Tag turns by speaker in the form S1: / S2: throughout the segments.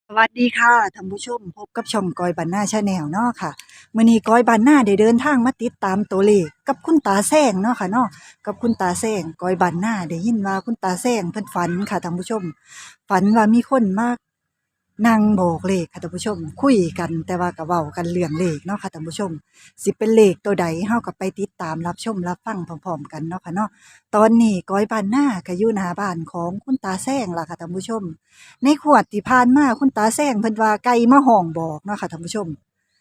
S1: สวัสดีค่ะท่านผู้ชมพบกับช่องกอยบ้านนาชาแนลเนาะค่ะมื้อนี้กอยบ้านนาได้เดินทางมาติดตามตัวเลขกับคุณตาแซงเนาะค่ะเนาะกับคุณตาแซงกอยบ้านนาได้ยินว่าคุณตาแซงเพิ่นฝันค่ะท่านผู้ชมฝันว่ามีคนมานั่งบอกเลขค่ะท่านผู้ชมคุยกันแต่ว่าก็เว้ากันเรื่องเลขเนาะค่ะท่านผู้ชมสิเป็นเลขตัวใดเฮาก็ไปติดตามรับชมรับฟังพร้อมๆกันเนาะค่ะเนาะตอนนี้กอยบ้านนาก็อยู่หน้าบ้านของคุณตาแซงล่ะค่ะท่านผู้ชม ในขวดที่ผ่านมาคุณตาแซงเพิ่นว่าไก่มาห้องบอกเนาะค่ะท่านผู้ชม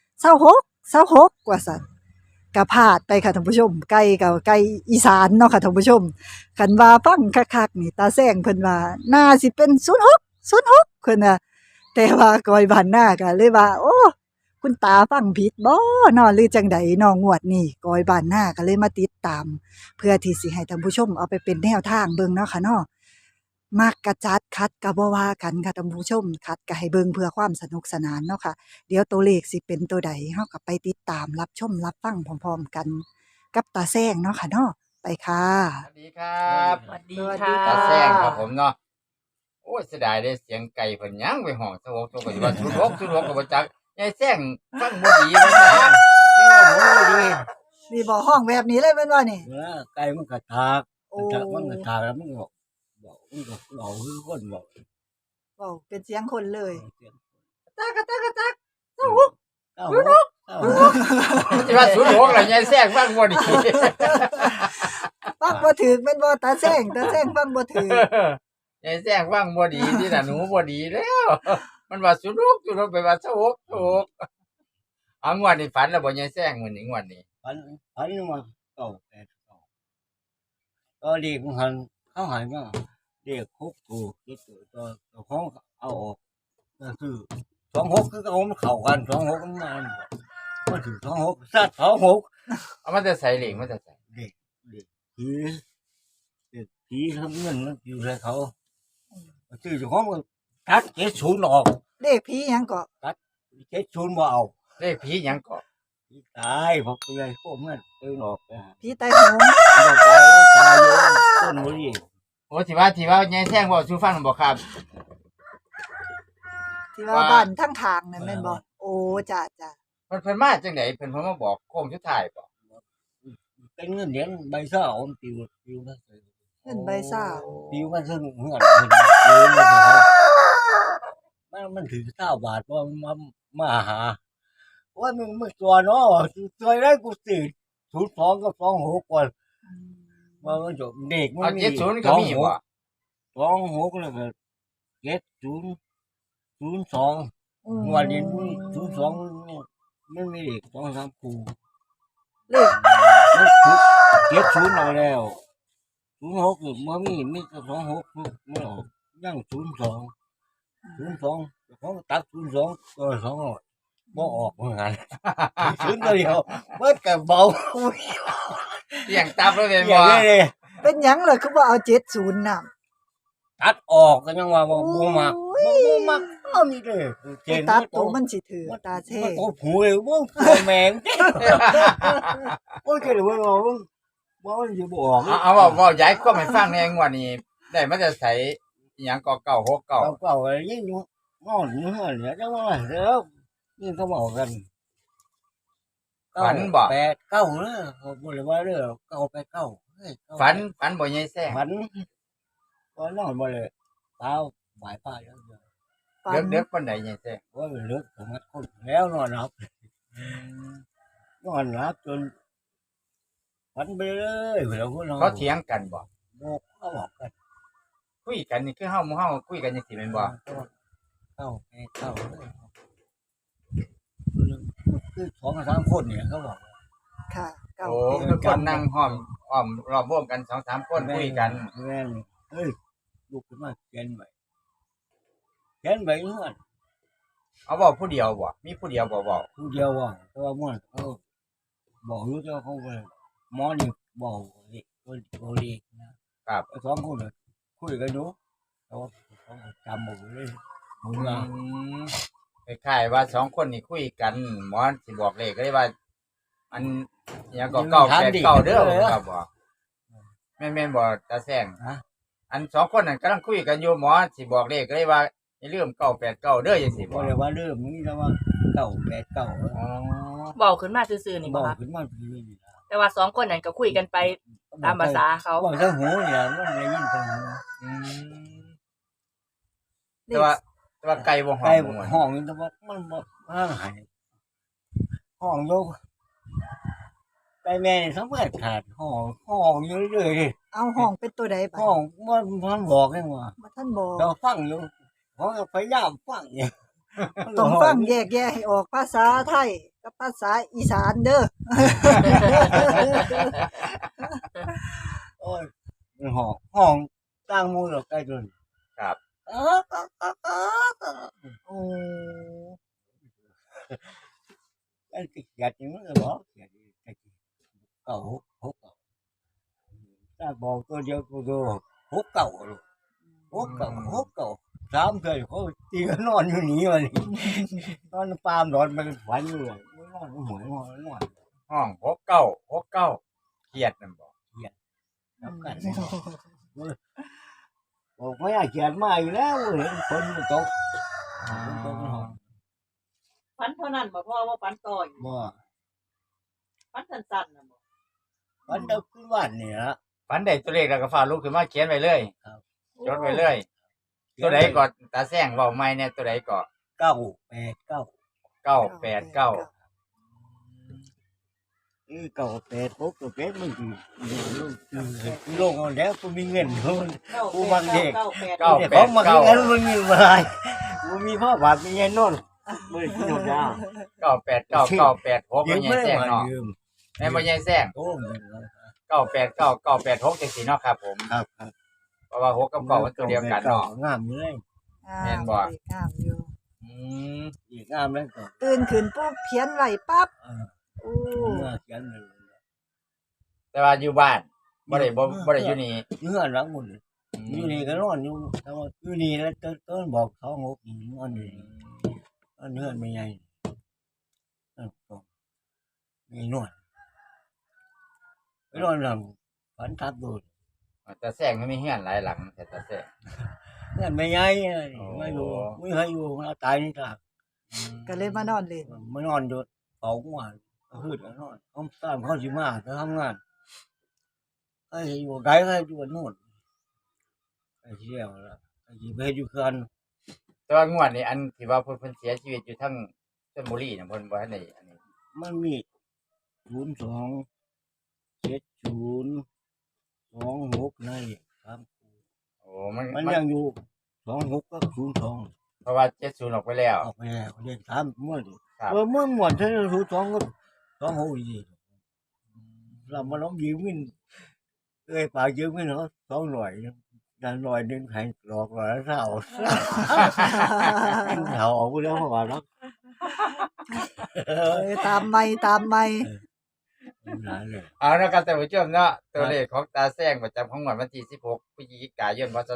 S1: 26ว่าซั่นก็พลาดไปค่ะท่านผู้ชมไก่ก็ไก่อีสานเนาะค่ะท่านผู้ชมคันว่าฟังคักๆนี่ตาแซงเพิ่นว่าน่าสิเป็น06เพิ่นน่ะแต่ว่าก้อยบ้านนาก็เลยว่าโอ้คุณตาฟังผิดบ่เนาะหรือจั่งใดเนาะงวดนี้ก้อยบ้านนาก็เลยมาติดตามเพื่อที่สิให้ท่านผู้ชมเอาไปเป็นแนวทางเบิ่งเนาะค่ะเนาะ มักกะจัดขัดกะบ่ว่ากันค่ะท่านผู้ชมขัดก็ให้เบิ่งเพื่อความสนุกสนานเนาะค่ะเดี๋ยวตัวเลขสิเป็นตัวใดเฮาก็ไปติดตามรับชมรับฟังพร้อมๆกันกับตาแซงเนาะค่ะเนาะไปค่ะ
S2: สวัสดีครับ
S3: สวัสดี
S1: สวัสดี
S3: ค่ะ
S2: ตาแซงครับ
S1: ค่ะ
S2: ผมเนาะโอ้ยเสียดายเด้เสียงไก่เพิ่นยังไปห้องสะโพกตัวก็สิว่าสุดหกก็บ่จักยายแซงฟังบ่ดีบ่จัก
S3: เจ้าหมูดี
S1: นี่บ่ห้องแบบนี้เลยแม่นบ่นี่
S3: ไก่มันกระทาก
S1: โอ้
S3: มันกระทากแล้วมันบอกมันก็เราคือคนบอก
S1: เว้าเป็นเสียงคนเลย
S3: เสียง
S1: ตากะตากะตัก
S3: เต้าหู้เต้าหู้เต้าหู้
S2: สิว่าสุดหกล่ะยายแซงฟังบ่ดี
S1: ฟังบ่ถูกแม่นบ่ตาแซงฟังบ่ถูก
S2: ยายแซงฟังบ่ดีที่น่ะหนูบ่ดีแล้วมันว่าสุดหกไปว่าสะโพกเอางวดนี้ฝันแล้วบ่ยายแซงมื้อนี้งวดนี้
S3: พันพันมาเก่าแต่เก่าก็เด็กมันหันเขาหันก็เด็กคุกถูกตัวของเอาออกก็คือ26คือเขามันเข้ากัน26มันถึง26สัตว์26
S2: เอามาแต่ใส่เหล็กมาแต่ใส่
S3: เด็กผีเด็กผีทำเงินมันอยู่ในเขาชื่อเจ้าของมันตัด70ออก
S1: เลขผีหยังก็
S3: 70บ่เอา
S2: เลขผีหยังก็
S3: ตายพอเปื่อยพวกมันตื่นออกไปหา
S1: ผีไตโหง
S3: บ่ตายแล้วตายอยู่ต้นบ่ดี
S2: โอ้ที่ว่ายายแซงเว้าสู่ฟังบ่ครับ
S1: ที่ว่าบ้านทั้งข้างนั่นแม่นบ่โอ้จ้ะ
S2: เพิ่นมาจังไดเพิ่นมาบอกโค้งสุดท้ายบ่
S3: เป็นเงินเหรียญใบเศร้ามันปิวมา
S1: ๆเงินใบซ่า
S3: ปิวมาซึ่งเงินปิวมาซึ่งเขามันถึง9บาทบ่มาหาว่ามึงตัวเนาะตัวได้กูสิ02กับ26ก่อนว่ามันจบเด็กมัน
S2: เอา
S3: มี
S2: 70ก็มีบ่
S3: 26แล้วก็7002
S1: อืม
S3: งวดนี้02มันมีเด็ก2-3คู่
S1: เลข
S3: มันถูก70เอาแล้ว06นี่บ่มีแต่26มันออกยัง02ของตัด02ก็200บ่ออกเหมือนกัน0ตัวเดียวเบิดก็เบา
S2: เสี่ยงตับแล้วแม่น
S3: อ
S2: บ่
S3: ย่างนี้เลย
S1: เป็นหยังล่ะคือบ่เอา70นำ
S3: ตัดออกก็ยังว่าบ่มักเอานี่เด้อเจน
S1: ตัดตัวมันสิถือตาแท้
S3: มันโตผูเลยบ่แม่งโอ้ยเกิดว่าบ่มันสิบ่ออก
S2: เอาเว้าย้ายความให้ฟังแหน่งวดนี้ได้มาแต่ไสอิหยังก็969
S3: เก่าๆเลยยิ่งนอนอยู่เฮือนเนี่ยจังว่าเด้อนี่เขาบอกกัน
S2: ฝันบ่
S3: 8 9เด้อเขาบ่ได้ว่าเด้อ9 8 9เฮ้ย
S2: ฝันบ่ยายแซง
S3: ฝันก็นอนบ่เลยเช้าบ่ายป้าเด้อ
S1: ฝัน
S2: เด็กๆปานใดยายแซง
S3: ว่าลึกสมัดคนแล้วนอนหลับจนฝันไปเลยแล้วพวกเรา
S2: เขาเถียงกันบ่
S3: บอกเขาบอกกัน
S2: คุยกันนี่คือเฮาหมู่เฮาคุยกันจังซี่แม่นบ่
S3: เข้าคือ2-3คนเนี่ยเขาบอก
S1: ค่ะเก้า
S2: โอ้
S1: แปด
S2: คือคนนั่งห้อมรอบวงกัน2-3คนคุยกัน
S3: แม่นเฮ้ยลุกขึ้นมาเขียนไว้เฮือน
S2: เอาเว้าผู้เดียวบ่มีผู้เดียวบ่เว้า
S3: ผู้เดียวว่าแต่ว่าม่วนเขาบอกอยู่แต่เขาไปหมอนี่บอกนี่ตัวเลขนะครับสองคนน่ะคุยกันอยู่เขาจำหมดเลยมึง
S2: อื
S3: อ่ะ
S2: มคล้ายๆว่า2คนนี่คุยกันหมอสิบอกเลขก็เลยว่าอันอิหยังก็989เด้อครับบ่แม่นบ่ตาแซง
S3: ฮะ
S2: อัน2คนนั่นกำลังคุยกันอยู่หมอสิบอกเลขก็เลยว่าให้ลืม989เด้อจังซี่
S3: บ่
S2: บ่
S3: ได้ว่าเริ่มนี้แล้วว่า989
S2: อ๋อ
S4: เว้าขึ้นมาซื่อๆนี่
S3: บ
S4: บ่
S3: อก
S4: คะ
S3: ขึ้นมาคือนี่ล่ะ
S4: แต่ว่าสองคนนั้นก็คุยกันไปตามภาษาเขา
S3: บอกทั้งหูเนี่ยมันได้ยินทั้งหู
S2: อืมแต่ว่าไก่บ่หอ
S3: ไก่
S2: มม่วน
S3: ห้องนี่แต่ว่ามันบ่ห่างหายห้องอยู่ไก่แม่นี่สำคัญขาดห้องอยู่เรื่อยๆ
S1: เอาห้องเป็นตัวใดบัด
S3: ห้องมันบอกให้ว่า
S1: บ่ท่านบอก
S3: เราฟังอยู่เขาก็พยายามฟังอยู่
S1: ต้องฟังแยกแยะให้ออกภาษาไทยกับภาษาอีสานเด้อ
S3: โอ้ยมันห้องตั้งหมูเราใกล้จน
S2: ครับ
S1: โอ้
S3: ไอ้เกียดนี่มันก็บอกเกียดไอ้เก่าหกเก่าถ้าบอกตัวเดียวตัวเดียวหกเก่าลูกหกเก่าสามเคยเขาตีกันนอนอยู่นี่วันนี้นอนปามนอนมันฝันอยู่เลยนอนหวยนอน
S2: ห้อง69เครียดนั่นบ่
S3: นับกันบอกไม่อยากเขียนมาอยู่แล้วเห็นฝนมันตกฝนตกในห้อง
S4: ฝันเท่านั้นบ่พ่อว่าฝันต่ออยู่
S3: บ่
S4: ฝันสั้นๆน่ะบ่
S3: ฝันเด็กขึ้นวันนี่ละ
S2: ฝันได้ตัวเลขแล้วก็ฟ้าลุกขึ้นมาเขียนไว้เลย
S3: ครับ
S2: จดไว้เลย ตัวใดก็ตาแซงเว้าใหม่เนี่ยตัวใดก็
S3: 989
S2: 989
S3: 986ตัวเป็ดมันคือลงเอาแล้วกูมีเงินกูบางเด็ก
S2: เก้า
S3: ของมาคือกันมันมีอะไรกูมีพ่อบาทมีเงินนอนบ่ได้กินหมดยา
S2: 989 986
S3: ยื
S2: บ่
S3: ม
S2: ใหญ่
S3: ไม่
S2: แซง
S3: มา
S2: เนาะ
S3: ยืม
S2: แม่นบ่ใหญ่แซง
S3: โอ้
S2: 989 986จังซี่เนาะครับผม
S3: ครับ
S2: เพราะว่า6กับ9มันตัวเดียวกันเนาะ
S3: งามเลย
S2: แม่นบ่
S1: เด็กงามอยู่
S2: อืม
S3: อีกงามแล้วก็
S1: ตื่นขึ้นปุ๊บเขียนไว้ปั๊บโอ้
S3: เขียนเลย
S2: แต่ว่าอยู่บ้านบ่ได้อยู่นี่
S3: เงื่อนหลังหมดอยู่นี่ก็นอนอยู่แต่ว่าอยู่นี่แล้วต้นบอกเขางกนอนอยู่นอนเงื่อนไม่ใหญ่มีนวดไปนอนหลังฝันทับดู
S2: ตาแซงมันมีเฮือนหลายหลังแต่ตาแซง
S3: เงื่อนไม่ใหญ่ไม่อยู่ไม่ให้อยู่เราตายนี่ครับ
S1: ก็เลยมานอนเล่น
S3: มานอนอยู่เป่าหัวพืชนอนเขาตามเขาสิมาจะทำงานให้อยู่ไกลให้อยู่นู่นไอ้เชี่ยวละไอ้ที่ไปอยู่กัน
S2: แต่ว่างวดนี้อันที่ว่าเพิ่นเสียชีวิตอยู่ทั้งชลบุรีน่ะเพิ่นบ่ทันได้อันนี้
S3: มันมี027026นะครับ
S2: โอ้มัน
S3: มันยังอยู่26กับ02
S2: เพราะว่า70ออกไปแล้ว
S3: ออกไปแล้วเรียนถามเมื่อดิ
S2: ครับ
S3: เมื่อหมดเท่านั้น02กับ26อีกเรามาล้อมยืมเงินปากยืมเงินเขา200ดัน100นึงให้หลอก100ละเท่าเท่าออกไปแล้วเพราะว่าเนาะ
S1: ตามไม่
S3: หลายเลย
S2: เอานะครับท่านผู้ชมเนาะตัวเลขของตาแซงประจำของงวดวันที่16พฤศจิกายนพศ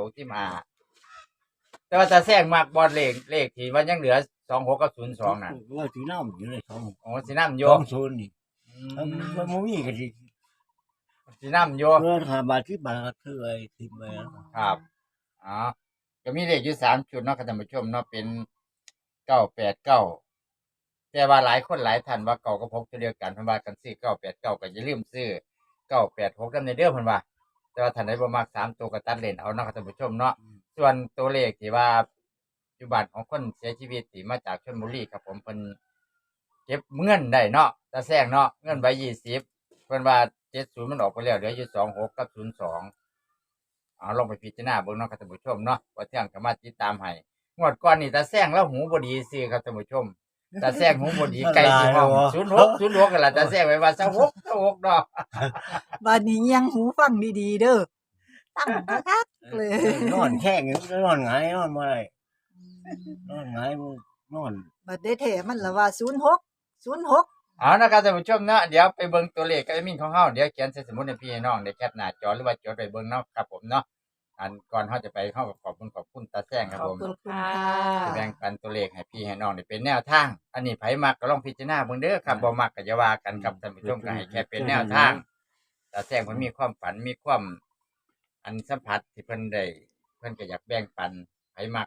S2: 2565แต่ว่าตาแซงมักบ่เลขที่ว่ายังเหลือ26กับ02น่ะ
S3: ว่าสีน้ำอยู่ใน2
S2: โอ้สินำโย
S3: 20นี่มันบ่มีก็สิ
S2: สินำโย
S3: เพื่อน5บาท10บาทคือไอ้10ไปแล้ว
S2: ครับอ๋อก็มีเลขอยู่3ชุดเนาะครับท่านผู้ชมเนาะเป็น989แต่ว่าหลายคนหลายท่านว่าเก่ากับ6ตัวเดียวกันเพิ่นว่ากันซื้อ989ก็อย่าลืมซื้อ986นำในเด้อเพิ่นว่า แต่ว่าท่านใดบ่มัก3ตัวก็ตัดเล่นเอาเนาะครับท่านผู้ชมเนาะส่วนตัวเลขที่ว่าปัจจุบันของคนเสียชีวิตที่มาจากชลบุรีครับผมเพิ่นเก็บเงินได้เนาะตาแซงเนาะเงินใบ20เพิ่นว่า70มันออกไปแล้วเหลืออยู่26กับ02เอาลองไปพิจารณาเบิ่งเนาะครับท่านผู้ชมเนาะว่าเที่ยงก็มาติดตามให้งวดก่อนนี่ตาแซงแล้วหูบ่ดีซื่อครับท่านผู้ชมตาแซงหูบ่ดีไกลสิห้อง06กันล่ะตาแซงไว้ว่า26เนาะ
S1: บัดนี้ยังหูฟังดีๆเด้อตั้งคักๆเลย
S3: นอนแข้งอยู่นอนหงายนอนบ่ได้นอนหงายนอน
S1: บัดได้แท้มันละว่า06
S2: เอานะครับท่านผู้ชมเนาะเดี๋ยวไปเบิ่งตัวเลขกับแอดมินของเฮาเดี๋ยวเขียนใส่สมุดให้พี่ให้น้องได้แคปหน้าจอหรือว่าจดไว้เบิ่งเนาะครับผมเนาะอันก่อนเฮาจะไปเฮาก็ขอบคุณตาแซงครับผม
S1: ขอบคุณค่ะ
S2: ที่แบ่งปันตัวเลขให้พี่ให้น้องได้เป็นแนวทาง อันนี้ไผมักก็ลองพิจารณาเบิ่งเด้อครับบ่มักก็อย่าว่ากันครับท่านผู้ชมก็ให้แค่เป็นแนวทางตาแซงเพิ่นมีความฝันมีความอันสัมผัสที่เพิ่นได้เพิ่นก็อยากแบ่งปันไผมักก็ค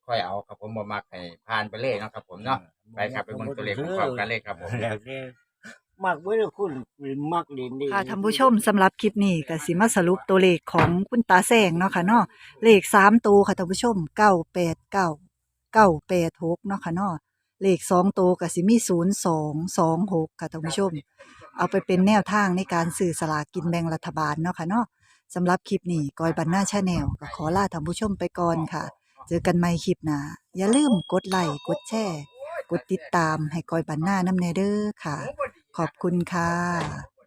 S2: ค่อยเอาครับผมบ่มักให้ผ่านไปเลยเนาะครับผมเนาะไปครับไปเบิ่งตัวเลขพร้อมๆกันเลยครับผม
S3: แล้วแต่มักเว้ยคุณมักเล่นดี
S1: ค่ะท่านผู้ชมสำหรับคลิปนี้ก็สิมาสรุปตัวเลขของคุณตาแซงเนาะค่ะเนาะเลข3ตัวค่ะท่านผู้ชม989 986เนาะค่ะเนาะเลข2ตัวก็สิมี0226ค่ะท่านผู้ชม เอาไปเป็นแนวทางในการซื้อสลากกินแบ่งรัฐบาลเนาะค่ะเนาะสำหรับคลิปนี้กอยบันหน้าชาแนลก็ขอลาท่านผู้ชมไปก่อนค่ะ เจอกันใหม่คลิปหน้าอย่าลืมกดไลค์กดแชร์กดติดตามให้กอยบันหน้านำแนเด้อค่ะ ขอบคุณค่ะ